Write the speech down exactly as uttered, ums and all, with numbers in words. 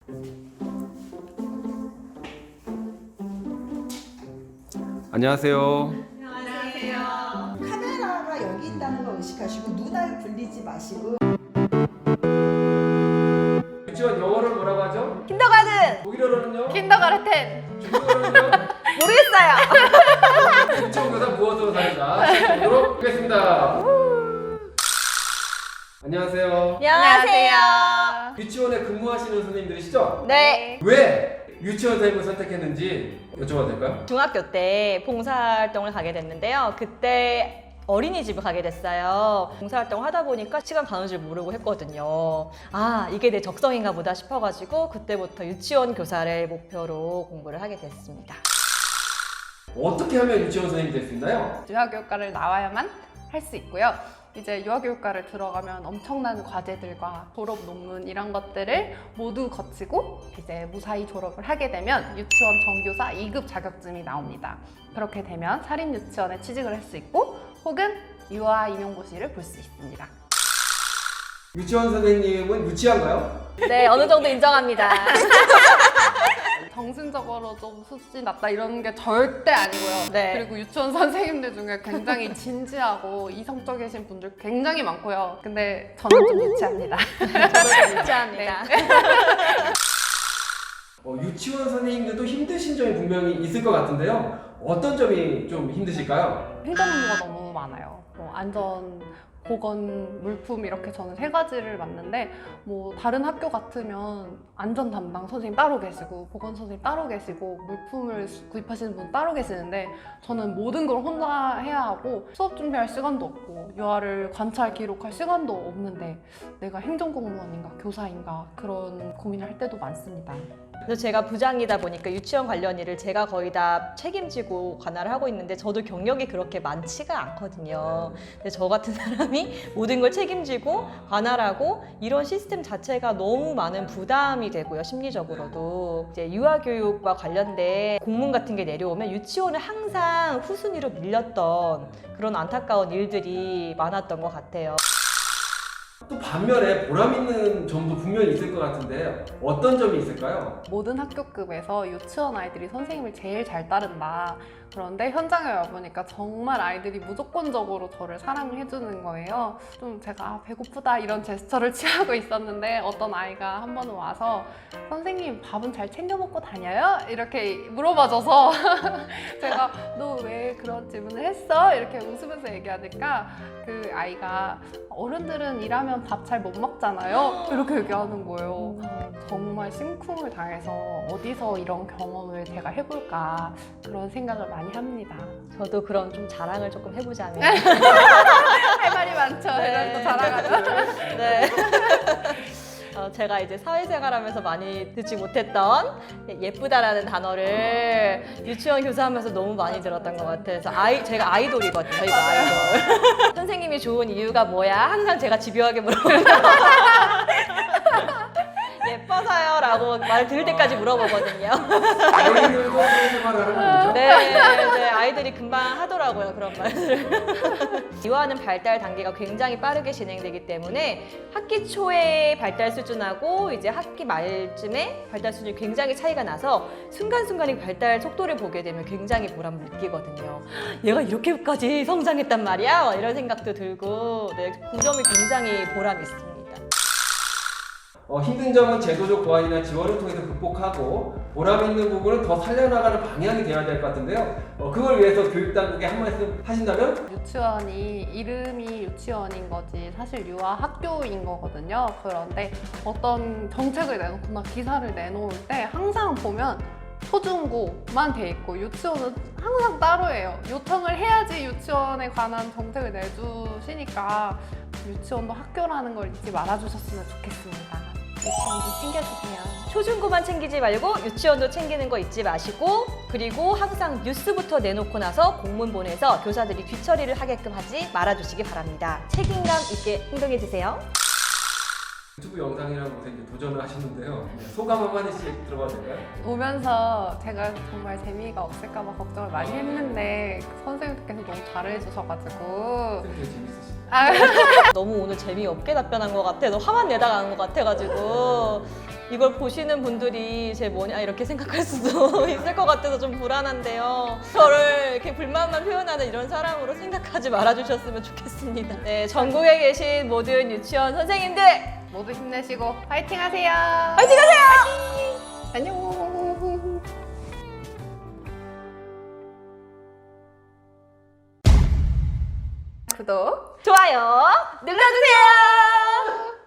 안녕하세요. 안녕하세요. 카메라가 여기 있다는 걸 의식하시고 눈알 굴리지 마시고. 유치원 영어를 뭐라고 하죠? 킨더가든! 독일어로는요? 킨더가르텐! 중국어로는요? 모르겠어요! 유치원 교사 무엇으로 살자 시작해보도록 하겠습니다. 안녕하세요. 안녕하세요. 유치원에 근무하시는 선생님들이시죠? 네. 왜 유치원 선생님을 선택했는지 여쭤봐도 될까요? 중학교 때 봉사활동을 가게 됐는데요. 그때 어린이집을 가게 됐어요. 봉사활동을 하다 보니까 시간 가는 줄 모르고 했거든요. 아, 이게 내 적성인가 보다 싶어가지고 그때부터 유치원 교사를 목표로 공부를 하게 됐습니다. 어떻게 하면 유치원 선생님이 될 수 있나요? 유아교육과를 나와야만 할 수 있고요. 이제 유아교육과를 들어가면 엄청난 과제들과 졸업 논문 이런 것들을 모두 거치고 이제 무사히 졸업을 하게 되면 유치원 정교사 이 급 자격증이 나옵니다. 그렇게 되면 사립유치원에 취직을 할 수 있고 혹은 유아 임용고시를 볼 수 있습니다. 유치원 선생님은 유치한가요? 네, 어느 정도 인정합니다. 정신적으로 좀 수준이 낮다 이런 게 절대 아니고요. 네. 그리고 유치원 선생님들 중에 굉장히 진지하고 이성적이신 분들 굉장히 많고요. 근데 저는 좀 유치합니다. 저도 좀 유치합니다. 네. 어, 유치원 선생님들도 힘드신 점이 분명히 있을 것 같은데요. 어떤 점이 좀 힘드실까요? 행정 업무가 너무 많아요. 뭐 안전, 보건, 물품 이렇게 저는 세 가지를 맡는데 뭐 다른 학교 같으면 안전 담당 선생님 따로 계시고 보건 선생님 따로 계시고 물품을 구입하시는 분 따로 계시는데 저는 모든 걸 혼자 해야 하고 수업 준비할 시간도 없고 유아를 관찰 기록할 시간도 없는데 내가 행정공무원인가 교사인가 그런 고민을 할 때도 많습니다. 그래서 제가 부장이다 보니까 유치원 관련 일을 제가 거의 다 책임지고 관할을 하고 있는데 저도 경력이 그렇게 많지가 않거든요. 근데 저 같은 사람이 모든 걸 책임지고 관할하고 이런 시스템 자체가 너무 많은 부담이 되고요. 심리적으로도. 이제 유아교육과 관련된 공문 같은 게 내려오면 유치원을 항상 후순위로 밀렸던 그런 안타까운 일들이 많았던 것 같아요. 또 반면에 보람 있는 점도 분명히 있을 것 같은데 어떤 점이 있을까요? 모든 학교급에서 유치원 아이들이 선생님을 제일 잘 따른다. 그런데 현장에 와보니까 정말 아이들이 무조건적으로 저를 사랑을 해주는 거예요. 좀 제가 아, 배고프다 이런 제스처를 취하고 있었는데 어떤 아이가 한 번은 와서 선생님 밥은 잘 챙겨 먹고 다녀요? 이렇게 물어봐줘서 제가 너 왜 그런 질문을 했어? 이렇게 웃으면서 얘기하니까 그 아이가 어른들은 일하면 밥 잘 못 먹잖아요. 이렇게 얘기하는 거예요. 정말 심쿵을 당해서 어디서 이런 경험을 제가 해볼까 그런 생각을 많이 합니다. 저도 그런 좀 자랑을 조금 해보자면 할 말이 많죠. 네. 이런 거 자랑하면. 네. 어, 제가 이제 사회생활하면서 많이 듣지 못했던 예쁘다라는 단어를 유치원 교사하면서 너무 많이 들었던 것 같아요. 그래서 아이, 제가 아이돌이거든요. 저희가 아이돌. 선생님이 좋은 이유가 뭐야? 항상 제가 집요하게 물어보고 예뻐서요 라고 말 들을 때까지 물어보거든요. 아이들도 사회생활을 하는 거죠? 네, 네, 아이들이 금방 하더라고요, 그런 말을. 유아는 발달 단계가 굉장히 빠르게 진행되기 때문에 학기 초에 발달 수준하고 이제 학기 말쯤에 발달 수준이 굉장히 차이가 나서 순간순간의 발달 속도를 보게 되면 굉장히 보람을 느끼거든요. 얘가 이렇게까지 성장했단 말이야? 이런 생각도 들고 네, 그 점이 굉장히 보람이 있습니다. 어, 힘든 점은 제도적 보완이나 지원을 통해서 극복하고 보람 있는 부분은 더 살려나가는 방향이 되어야 될 것 같은데요. 어, 그걸 위해서 교육당국에 한 말씀 하신다면? 유치원이 이름이 유치원인 거지 사실 유아 학교인 거거든요. 그런데 어떤 정책을 내놓거나 기사를 내놓을 때 항상 보면 초중고만 돼 있고 유치원은 항상 따로예요. 요청을 해야지 유치원에 관한 정책을 내주시니까 유치원도 학교라는 걸 잊지 말아주셨으면 좋겠습니다. 유치원 좀 챙겨주세요. 초중고만 챙기지 말고 유치원도 챙기는 거 잊지 마시고 그리고 항상 뉴스부터 내놓고 나서 공문 보내서 교사들이 뒤처리를 하게끔 하지 말아주시기 바랍니다. 책임감 있게 행동해 주세요. 유튜브 영상이라는 곳에 이제 도전을 하셨는데요. 소감 한마디씩 들어봐도 될까요? 오면서 제가 정말 재미가 없을까 봐 걱정을 많이 했는데 선생님께서 너무 잘해주셔가지고 되게 재밌으시죠? 아, 너무 오늘 재미없게 답변한 것 같아. 너 화만 내다가 한 것 같아가지고 이걸 보시는 분들이 제 뭐냐 이렇게 생각할 수도 있을 것 같아서 좀 불안한데요. 저를 이렇게 불만만 표현하는 이런 사람으로 생각하지 말아주셨으면 좋겠습니다. 네, 전국에 계신 모든 유치원 선생님들 모두 힘내시고 파이팅 하세요. 파이팅 하세요! 안녕. 구독 좋아요 눌러주세요.